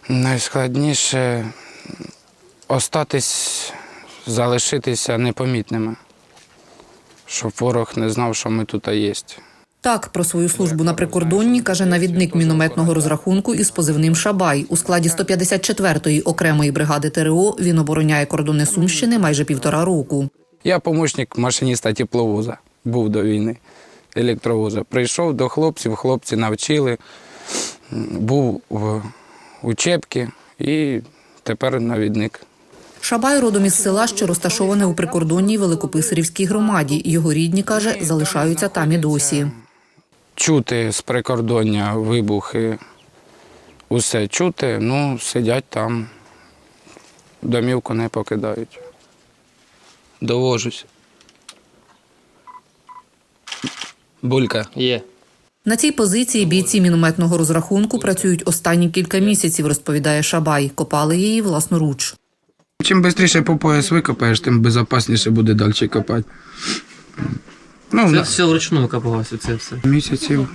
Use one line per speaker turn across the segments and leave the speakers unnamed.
Найскладніше залишитися непомітними, щоб ворог не знав, що ми тут є.
Так, про свою службу на прикордонні каже навідник мінометного розрахунку із позивним «Шабай». У складі 154-ї окремої бригади ТрО він обороняє кордони Сумщини майже 1,5 року.
Я помічник машиніста тепловоза, був до війни, електровоза. Прийшов до хлопців, хлопці навчили, був в учебці і тепер навідник.
Шабай родом із села, що розташоване у прикордонній Великописарівській громаді. Його рідні, каже, залишаються там і досі.
Чути з прикордоння вибухи, усе чути, сидять там, домівку не покидають. Довожусь. Булька.
Є.
На цій позиції бійці мінометного розрахунку працюють останні кілька місяців, розповідає Шабай. Копали її власноруч.
Чим швидше по пояс викопаєш, тим безпечніше буде далі копати.
Це все вручну викопалося, це все?
Місяців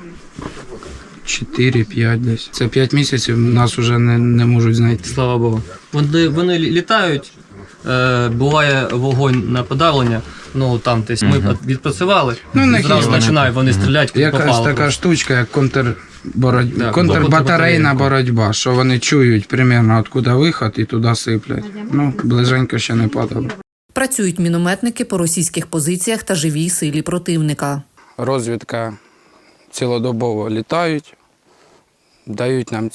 4-5 десь. Це 5 місяців, нас вже не можуть знайти.
Слава Богу. Вони літають, буває вогонь на подавлення, там десь ми відпрацювали, зразу починають вони стріляти,
якась така штучка, як контрбатарейна боротьба, що вони чують примерно, откуда виход і туди сиплять. Ближенько ще не падало.
Працюють мінометники по російських позиціях та живій силі противника.
Розвідка цілодобово літають, дають нам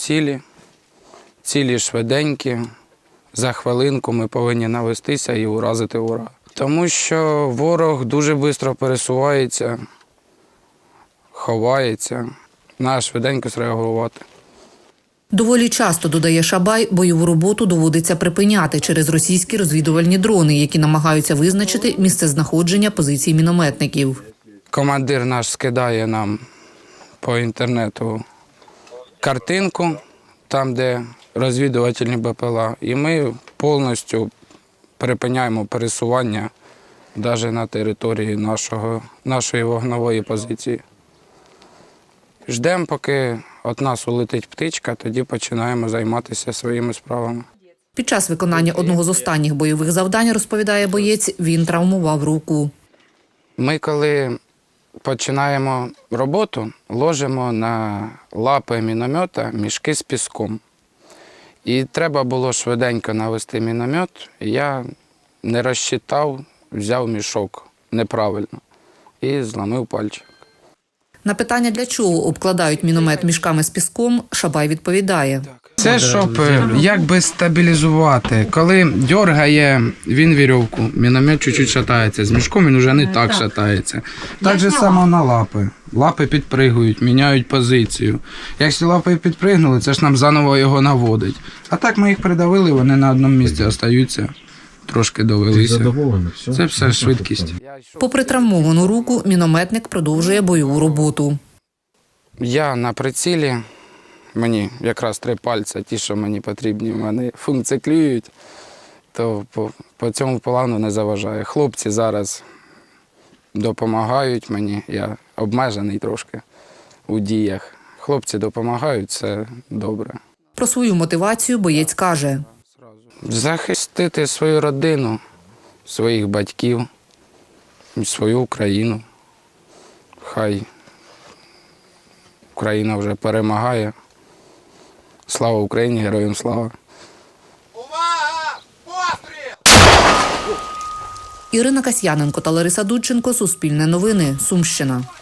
цілі швиденькі. За хвилинку ми повинні навестися і уразити ворога. Тому що ворог дуже швидко пересувається, ховається. Треба швиденько зреагувати.
Доволі часто, додає Шабай, бойову роботу доводиться припиняти через російські розвідувальні дрони, які намагаються визначити місцезнаходження позицій мінометників.
Командир наш скидає нам по інтернету картинку, там, де розвідувальні БПЛА, і ми повністю припиняємо пересування навіть на території нашої вогневої позиції. Ждемо, поки від нас улетить птичка, тоді починаємо займатися своїми справами.
Під час виконання одного з останніх бойових завдань, розповідає боєць, він травмував руку.
Ми, коли починаємо роботу, ложимо на лапи міномета мішки з піском. І треба було швиденько навести міномет. Я не розчитав, взяв мішок неправильно і зламив пальчик.
На питання, для чого обкладають міномет мішками з піском, Шабай відповідає.
Це щоб якби стабілізувати. Коли дергає він вірьовку, міномет чуть-чуть шатається. З мішком він вже не так шатається. Так же само на лапи. Лапи підпригують, міняють позицію. Якщо лапи підпригнули, це ж нам заново його наводить. А так ми їх придавили, вони на одному місці залишаються. Трошки довелися. Це все швидкість.
Попри травмовану руку, мінометник продовжує бойову роботу.
Я на прицілі, мені якраз 3 пальця, ті, що мені потрібні, вони функціонують, то по цьому плану не заважає. Хлопці зараз допомагають мені, я обмежений трошки у діях. Хлопці допомагають, це добре.
Про свою мотивацію боєць каже.
Захистити свою родину, своїх батьків, свою Україну. Хай Україна вже перемагає. Слава Україні, героям слава!
Увага! Постріл!
Ірина Касьяненко та Лариса Дудченко. Суспільне новини. Сумщина.